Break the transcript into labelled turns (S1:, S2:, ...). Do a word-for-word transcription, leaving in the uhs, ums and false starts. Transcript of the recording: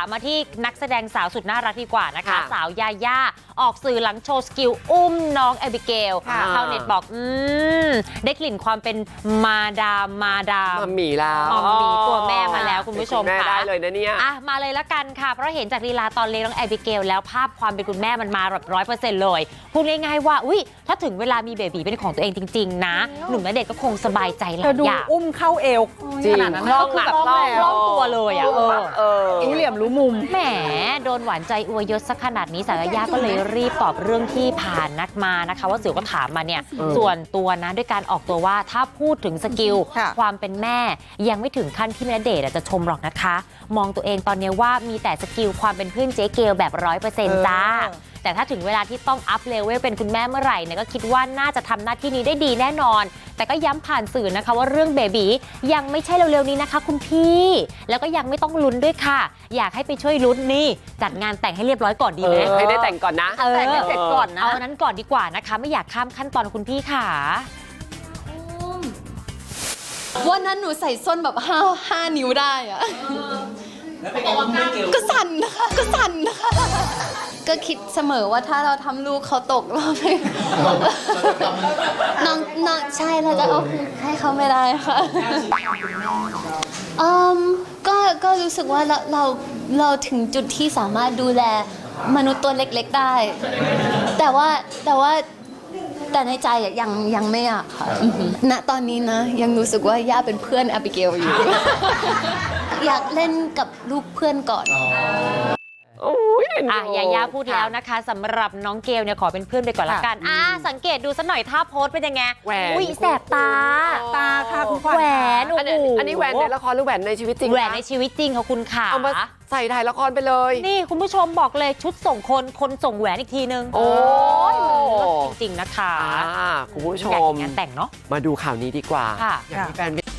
S1: มาที่นักแสดงสาวสุดน่ารักดีกว่านะคะ
S2: ค่ะ
S1: สาวยาย่าออกสื่อหลังโชว์สกิลอุ้มน้องแอบิเกล
S2: ค่ะ
S1: ชาวเน็ตบอกอืมได้กลิ่นความเป็นมาดามมาดาม
S2: มัมหมี่แล้ว
S1: มัมหมี่ตัวแม่มาแล้วคุณผู้ชม
S2: แม่
S1: ค่ะ
S2: ได้เลยนะเนี่ย
S1: อ่ะมาเลยละกันค่ะเพราะเห็นจากลีลาตอนเลี้ยงน้องแอบิเกลแล้วภาพความเป็นคุณแม่มันมาแบบร้อยเปอร์เซ็นต์เลยพูดง่ายๆว่าอุ้ยถ้าถึงเวลามีเบบีเป็นของตัวเองจริงๆนะหนุ่มณเดชน์ก็คงสบายใจหลา
S3: เธอย ดู
S1: อย่าง
S3: อุ้มเข้าเอว
S2: จริง
S3: ขนาดนั้น
S2: คล่อง
S3: ก็
S2: อะ
S3: คือแบบ
S2: คล่อง
S3: คล่อง
S1: ตัวเลยอ่ะเออ
S2: เออ
S3: รู้เหลี่ยมรู้มุม
S1: แหมโดนหวานใจอวยยศสักขนาดนี้สาวยาย่าก็เลยรีบตอบเรื่องที่ผ่านนักมานะคะว่าสื่อก็ถามมาเนี่ย
S2: เออ
S1: ส่วนตัวนะด้วยการออกตัวว่าถ้าพูดถึงสกิล
S3: ค่ะ
S1: ความเป็นแม่ยังไม่ถึงขั้นที่ณเดชน์อะจะชมหรอกนะคะ มองตัวเองตอนนี้ว่ามีแต่สกิลความเป็นเพื่อนเจ๊เกลแบบร้อยเปอร์เซ็นต์จ้า แต่ถ้าถึงเวลาที่ต้องอัพเลเวลเป็นคุณแม่เมื่อไหร่เนี่ยก็คิดว่าน่าจะทำหน้าที่นี้ได้ดีแน่นอน แต่ก็ย้ำผ่านสื่อนะคะว่าเรื่องเบบียังไม่ใช่เร็วๆนี้นะคะคุณพี่ แล้วก็ยังไม่ต้องลุ้นด้วยค่ะ อยากให้ไปช่วยลุ้นนี่จัดงานแต่งให้เรียบร้อยก่อนดี
S2: เอ
S1: ไหม
S2: อให้ได้แต่งก่อนนะ
S1: เออ
S3: แต่งให้เสร็จก่อนนะ
S1: เอาอันนั้นก่อนดีกว่านะคะ ไม่อยากข้ามขั้นตอนคุณพี่ค่ะ
S4: วันนั้นหนูใส่ส้นแบบห้าห้านิ้วได้อะก็สั่นนะคะ ก็สั่นนะคะ ก็คิดเสมอว่าถ้าเราทำลูกเขาตกเราไม่น้องน้องใช่เราจะเอาคืนให้เขาไม่ได้ค่ะอืมก็ก็รู้สึกว่าเราเราเราถึงจุดที่สามารถดูแลมนุษย์ตัวเล็กๆได้ แต่ว่าแต่ว่า แต่ในใจอะยังยังไม่อยากค่ะณตอนนี้นะยังรู้สึกว่าย่าเป็นเพื่อนแอบิเกลอยู่ อยากเล่นกับลูกเพื่อนก่อน
S2: โอ้ยเอ็นดู
S1: อ่ะยาย่าพูดแล้วนะคะสำหรับน้องเกลเนี่ยขอเป็นเพื่อนไปก่อนละกันอ่ะสังเกตดูสักหน่อยท่าโพสเป็นยังไง
S2: แหวน
S1: อุ้ยแสบตา
S3: ตาค่ะคุณขวัญ
S1: แหวนโอ้
S2: อัน
S1: โห
S2: นี้อันนี้แหวนในละครหรือแหวนในชีวิตจริง
S1: แหวน
S2: คะ
S1: ในชีวิตจริงค่ะคุณขา
S2: เอามาใส่ถ่ายละครไปเลย
S1: นี่คุณผู้ชมบอกเลยชุดส่งคนคนส่งแหวนอีกทีนึง
S2: โอ้ย
S1: จริงๆนะคะ
S2: อ่าคุณผู้ช
S1: อยาก
S2: ม
S1: เห็นงานแต่งเนาะ
S2: มาดูข่าวนี้ดีกว่า
S1: ค่ะ
S2: อยากให้แฟน